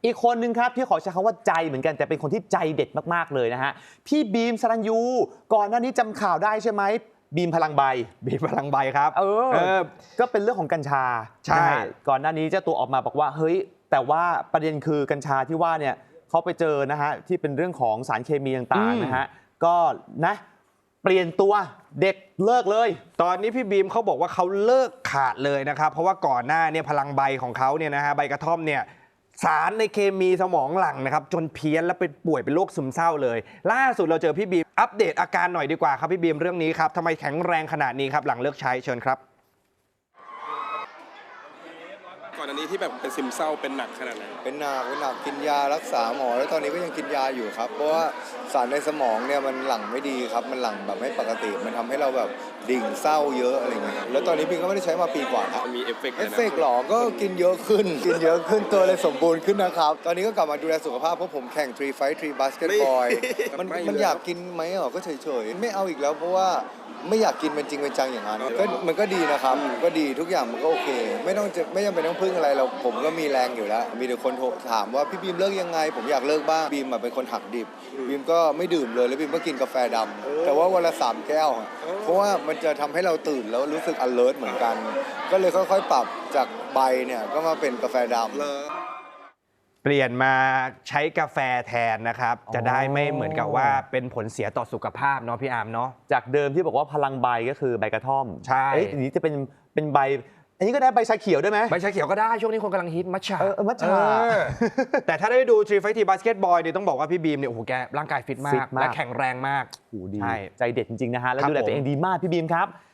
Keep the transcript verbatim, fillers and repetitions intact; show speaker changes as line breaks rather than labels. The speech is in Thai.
อีกคนนึงครับที่ขอใช้คำว่าใจเหมือนกันแต่เป็นคนที่ใจเด็ดมากๆเลยนะฮะพี่บีมสรัญยูก่อนหน้านี้จำข่าวได้ใช่ไหมบีมพลังใบ
บีมพลังใบครับ
เออเออก็เป็นเรื่องของกัญชา
ใช่
ก่อนหน้านี้เจ้าตัวออกมาบอกว่าเฮ้ยแต่ว่าประเด็นคือกัญชาที่ว่าเนี่ยเขาไปเจอนะฮะที่เป็นเรื่องของสารเคมีต่างๆนะฮะก็นะเปลี่ยนตัวเด็กเลิกเลย
ตอนนี้พี่บีมเขาบอกว่าเขาเลิกขาดเลยนะครับเพราะว่าก่อนหน้าเนี่ยพลังใบของเขาเนี่ยนะฮะใบกระท่อมเนี่ยสารในเคมีสมองหลั่งนะครับจนเพี้ยนและเป็นป่วยเป็นโรคซึมเศร้าเลยล่าสุดเราเจอพี่บีมอัปเดตอาการหน่อยดีกว่าครับพี่บีมเรื่องนี้ครับทำไมแข็งแรงขนาดนี้ครับหลังเลิกใช้เชิญครับ
ก่อนอันนี้ที่แบบเป็นซึมเศร้าเป็นหนักขนาดไหน
เป็นหนักเป็นหนักกินยารักษาหมอแล้วตอนนี้ก็ยังกินยาอยู่ครับเพราะว่าสารในสมองเนี่ยมันหลั่งไม่ดีครับมันหลั่งแบบไม่ปกติมันทำให้เราแบบดิ่งเศร้าเยอะอะไรเงี้ยแล้วตอนนี้พี่ก็ไม่ได้ใช้มาปีกว่าครับ
มีเอฟเฟกต์
เอฟเฟกต์หรอก็กินเยอะขึ้นกินเยอะขึ้นตัวเลยสมบูรณ์ขึ้นนะครับตอนนี้ก็กลับมาดูแลสุขภาพเพราะผมแข่งทรีไฟท์ทรีบาสเกตบอลมันมันอยากกินไหมอ่ะก็เฉยๆไม่เอาอีกแล้วเพราะว่าไม่อยากกินเป็นจริงเป็นจังอย่างนั้นก็มันก็ดีนะครับก็ดีทุกอย่างมันก็โอเคไม่ต้องจะไม่จำเป็นต้องพึ่งอะไรเราผมก็มีแรงอยู่แล้วมีแต่คนโทรถามว่าพี่บีมเลิกยังไงผมอยากเลิกบ้างบีมเป็นคนหักดิบบีมก็ไม่ดื่มเลยแล้วบีมก็กินกาแฟดำแต่ว่าวันละสามแก้วเพราะว่ามันจะทำให้เราตื่นแล้วรู้สึก alert เหมือนกันก็เลยค่อยๆปรับจากใบเนี่ยก็มาเป็นกาแฟดำ
เปลี่ยนมาใช้กาแฟแทนนะครับจะได้ไม่เหมือนกับว่าเป็นผลเสียต่อสุขภาพเนาะพี่อาร์มเนาะ
จากเดิมที่บอกว่าพลังใบก็คือใบกระท่อม
ใช่
อันนี้จะเป็นเป็นใบอันนี้ก็ได้ใบชาเขียวได้ไหม
ใบชาเขียวก็ได้ช่วงนี้คนกำลังฮิตมัทฉะ
เออมัทฉะ
แต่ถ้าได้ดูทรีไฟทีบาสเกตบอลเนี่ยต้องบอกว่าพี่บีมเนี่ยโอ้โหแกร่างกายฟิตมากและแข็งแรงมาก
โอ้ดีใจเด็ดจริงๆนะฮะแล้วดูแลตัวเองดีมากพี่บีมครับ